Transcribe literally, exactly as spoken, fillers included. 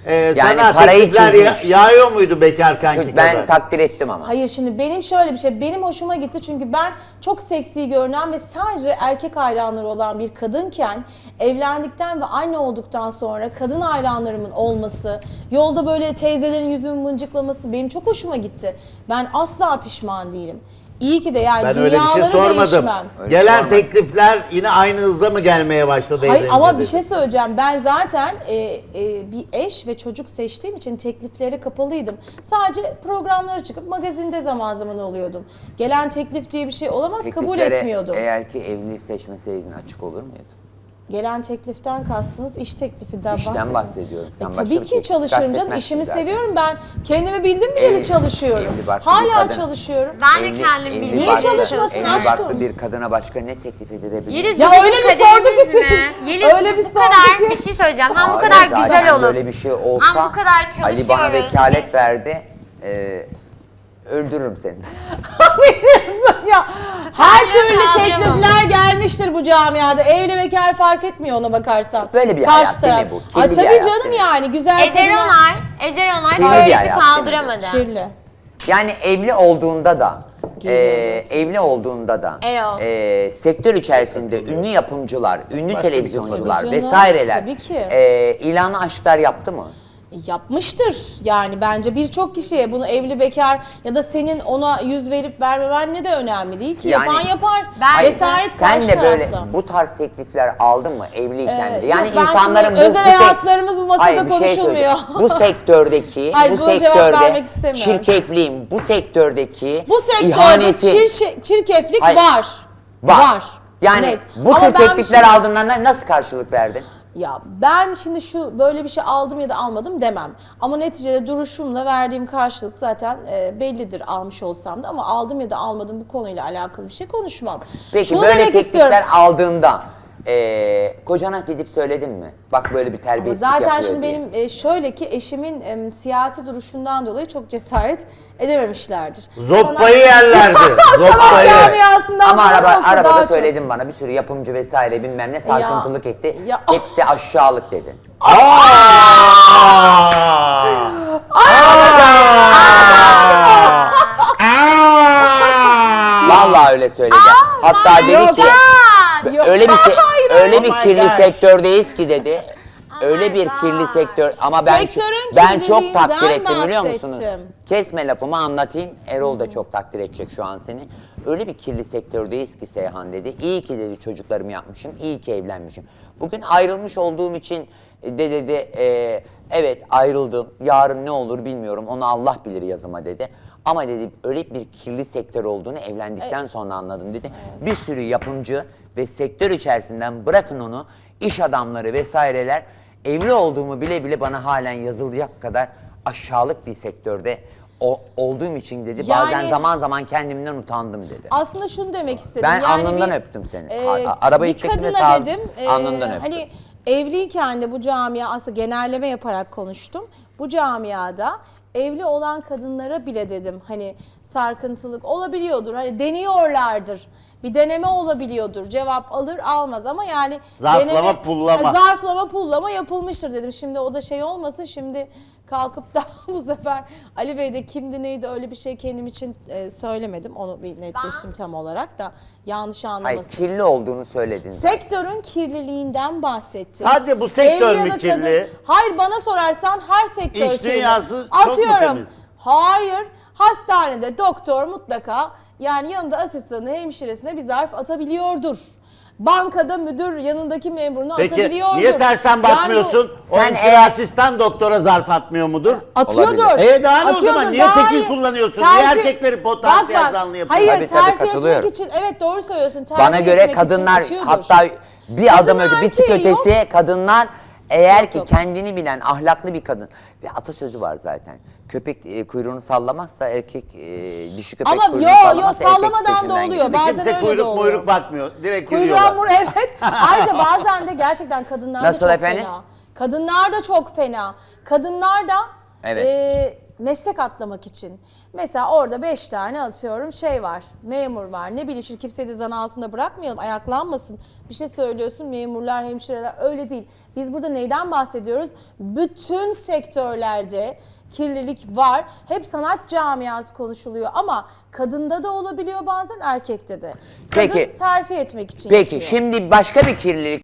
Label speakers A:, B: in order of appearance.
A: Ee,
B: Yani
A: sana
B: parayı
A: teklifler ya-
B: çizmiş.
A: yağıyor muydu bekar kanki
B: Ben
A: kadar?
B: takdir ettim ama.
C: Hayır, şimdi benim şöyle bir şey, benim hoşuma gitti çünkü ben çok seksi görünen ve sadece erkek hayranları olan bir kadınken evlendikten ve anne olduktan sonra kadın hayranlarımın olması, yolda böyle teyzelerin yüzümü mıncıklaması benim çok hoşuma gitti. Ben asla pişman değilim. İyi ki de yani
A: Ben öyle bir şey
C: dünyaları
A: sormadım.
C: değişmem.
B: Öyle
A: Gelen
B: sormadım.
A: teklifler yine aynı hızda mı gelmeye başladı?
C: Hayır
A: evlenince
C: ama bir
A: dedi.
C: şey söyleyeceğim. Ben zaten e, e, bir eş ve çocuk seçtiğim için tekliflere kapalıydım. Sadece programlara çıkıp magazinde zaman zaman oluyordum. Gelen teklif diye bir şey olamaz, kabul
B: Tekliflere
C: etmiyordum.
B: Eğer ki evli seçmeseydin açık olur muydu?
C: Gelen tekliften kastınız iş teklifinden
B: İşten
C: bahsediyorum.
B: bahsediyorum. Sen
C: E,
B: başka
C: tabii
B: bir
C: ki
B: teklif
C: çalışırım canım.
B: kastetmezsin
C: İşimi
B: zaten.
C: seviyorum ben. Kendimi bildim bileli
B: Evli-
C: çalışıyorum.
B: evli barklı bir
C: Hala
B: kadın.
C: çalışıyorum.
D: Ben de
B: Evli-
D: kendim
B: evli
D: bildim.
C: Niye
B: barklı-
C: çalışmasın
B: evli
C: aşkım?
B: barklı bir kadına başka ne teklif edilebilir?
D: Yeliz,
C: Ya
D: bu
C: öyle
D: bizim
C: bir sordu ki
D: kaderimiz
C: sen-
D: mi? Yeliz,
C: öyle bir
D: bu
C: sordu
D: kadar
C: ki-
D: bir şey söyleyeceğim. Hem bu
B: Hayır,
D: kadar
B: zaten
D: güzel olur.
B: böyle bir şey olsa
D: Hem bu kadar
B: Ali bana
D: çalışıyoruz.
B: vekalet
D: Biz-
B: verdi. Ee, öldürürüm seni.
C: Ne diyorsun ya? Her
D: Tanrı'ya
C: türlü
D: kaldıramam.
C: teklifler gelmiştir bu camiada. Evli bekar fark etmiyor ona bakarsan.
B: Böyle bir
C: Karşı
B: hayat değil mi
C: taraf.
B: bu? Kirli
C: Ay,
B: bir
C: tabii
B: hayat
C: canım
B: değil mi?
C: yani güzel
D: Eder
C: kadına-
D: Onay, Eder Onay
B: Kirli bir
D: şöhreti
B: hayat
D: kaldıramadı.
C: Kirli.
B: Yani evli olduğunda da
C: Geliyor
B: e,
C: gerçekten.
B: evli olduğunda da
D: Erol.
B: e, sektör içerisinde ünlü yapımcılar, ünlü
A: Başka bir
B: televizyoncular
C: Tabii canım,
B: vesaireler
C: tabii ki.
B: e, ilanı aşklar yaptı mı?
C: Yapmıştır yani bence birçok kişiye bunu evli bekar ya da senin ona yüz verip vermemen ne de önemli değil ki.
B: Yani-
C: Yapan yapar.
D: Ben-
C: Cesaret
B: Sen
C: karşı
B: de böyle
C: tarafta.
B: bu tarz teklifler aldın mı evliyken
C: Ee,
B: de? Yani
C: yok, ben
B: insanların
C: şimdi
B: bu,
C: özel
B: bu sek-
C: hayatlarımız bu masada
B: Hayır, bir şey
C: konuşulmuyor.
B: söyleyeceğim. Bu sektördeki,
C: Hayır,
B: bu
C: buna cevap
B: sektörde
C: vermek istemiyorum.
B: çirkefliğin, bu sektördeki
C: Bu sektörde
B: ihaneti
C: çir- çirkeflik
B: Hayır.
C: var.
B: var. Yani
C: Net.
B: bu
C: Ama
B: tür
C: ben
B: teklifler
C: şimdi-
B: aldığından da nasıl karşılık verdin?
C: Ya ben şimdi şu böyle bir şey aldım ya da almadım demem. Ama neticede duruşumla verdiğim karşılık zaten e, bellidir almış olsam da, ama aldım ya da almadım bu konuyla alakalı bir şey konuşmam.
B: Peki
C: Şunu
B: böyle
C: demek
B: teklifler
C: istiyorum.
B: aldığında e, kocana gidip söyledin mi? Bak böyle bir
C: Ama
B: terbiyesizlik
C: zaten
B: yapıyor
C: şimdi
B: diye.
C: benim e, şöyle ki eşimin e, siyasi duruşundan dolayı çok cesaret edememişlerdir.
A: Zoppayı yerlerdi.
C: Sanat
A: Zoppayı.
C: camiasından
B: Ama
C: falan
B: araba,
C: olsa daha
B: arabada
C: çok.
B: söyledin bana bir sürü yapımcı vesaire bilmem ne sarkıntılık etti.
C: ya-
B: Hepsi aşağılık dedin. Vallahi öyle söyledi. Hatta dedi
C: yok,
B: ki
C: aa, yok.
B: öyle bir se-
C: Hayır,
B: öyle
A: oh
B: bir
A: my
B: kirli
A: God.
B: sektördeyiz ki dedi. Öyle
D: my
B: bir
D: God.
B: kirli sektör ama ben
C: Sektörün
B: ben çok
C: kirliliğinden
B: takdir ettim biliyor musunuz?
C: bahsettim.
B: Kesme lafımı anlatayım. Erol da çok takdir edecek şu an seni. Öyle bir kirli sektördeyiz ki Seyhan dedi. İyi ki dedi çocuklarımı yapmışım. İyi ki evlenmişim. Bugün ayrılmış olduğum için de dedi e, evet ayrıldım. Yarın ne olur bilmiyorum. Onu Allah bilir yazıma dedi. Ama dedi öyle bir kirli sektör olduğunu evlendikten sonra anladım dedi. Bir sürü yapımcı ve sektör içerisinden bırakın onu iş adamları vesaireler evli olduğumu bile bile bana halen yazılacak kadar aşağılık bir sektörde o- olduğum için dedi.
C: Yani-
B: Bazen zaman zaman kendimden utandım dedi.
C: Aslında şunu demek istedim.
B: Ben
C: yani
B: alnından
C: bir,
B: öptüm seni.
C: e,
B: A- arabayı
C: bir
B: çektim ve
C: kadına
B: sağ-
C: dedim. e,
B: alnından öptüm.
C: Hani evliyken de bu camia, aslında genelleme yaparak konuştum. Bu camiada evli olan kadınlara bile dedim hani sarkıntılık olabiliyordur. Hani deniyorlardır. Bir deneme olabiliyordur. Cevap alır almaz ama yani
A: Zarflama, pullama.
C: Ha, zarflama pullama yapılmıştır dedim. Şimdi o da şey olmasın, şimdi kalkıp da bu sefer Ali Bey de kimdi neydi öyle bir şey kendim için e, söylemedim. Onu bir netleştim tam olarak da yanlış
B: Hayır,
C: anlamasın.
B: kirli olduğunu söyledin.
C: Sektörün kirliliğinden bahsettim.
A: Sadece bu sektör
C: Evli ya
A: mü
C: da
A: kirli?
C: Hayır, bana sorarsan her sektör
A: İş
C: kirli.
A: dünyası çok mu
C: Atıyorum.
A: temiz?
C: Hayır. Hastanede doktor mutlaka yani yanında asistanı, hemşiresine bir zarf atabiliyordur. Bankada müdür yanındaki memurunu
A: Peki
C: atabiliyordur.
A: niye tersen bakmıyorsun?
C: Yani
A: o
B: Sen
A: hemşire
B: eğer-
A: asistan doktora zarf atmıyor mudur?
C: bu- atıyordur.
B: Olabilir.
A: E daha ne o
C: Atıyordur,
A: zaman? Niye
C: daha
A: tekil
C: iyi.
A: kullanıyorsun? Niye erkekleri potansiyel
C: Bak bak,
A: zanlı yapıyorsun?
C: Hayır,
B: Tabii, tabii,
C: terfi
B: katılıyorum.
C: etmek için evet doğru söylüyorsun. Terfi
B: Bana göre
C: etmek için
B: kadınlar
C: atıyordur.
B: hatta bir adım
C: Kadın
B: öte bir tık
C: erkeği yok.
B: ötesi kadınlar eğer
C: Yok,
B: ki
C: yok.
B: kendini bilen ahlaklı bir kadın ve atasözü var zaten. Köpek e, kuyruğunu sallamazsa erkek e, dişi köpek
C: Ama
B: kuyruğunu
C: yo, yo,
B: sallamazsa erkek
C: sallamadan da
B: peşinden
C: oluyor.
B: gider.
C: Bazen
A: Kimse
C: öyle de
A: kuyruk
C: oluyor.
A: muyruk bakmıyor. Direkt
C: Kuyruğa
A: yürüyorlar.
C: vur, evet. Ayrıca bazen de gerçekten kadınlar da
B: Nasıl
C: çok
B: efendim?
C: fena. Kadınlar da çok fena. Kadınlar da
B: Evet.
C: e, meslek atlamak için. Mesela orada beş tane atıyorum şey var, memur var. Ne bileyim, şimdi kimseyi de zan altında bırakmayalım, ayaklanmasın. Bir şey söylüyorsun, memurlar, hemşireler, öyle değil. Biz burada neyden bahsediyoruz? Bütün sektörlerde kirlilik var. Hep sanat camiası konuşuluyor ama kadında da olabiliyor, bazen erkekte de. Kadın
B: Peki.
C: terfi etmek için
B: Peki
C: yapıyor.
B: şimdi başka bir kirlilik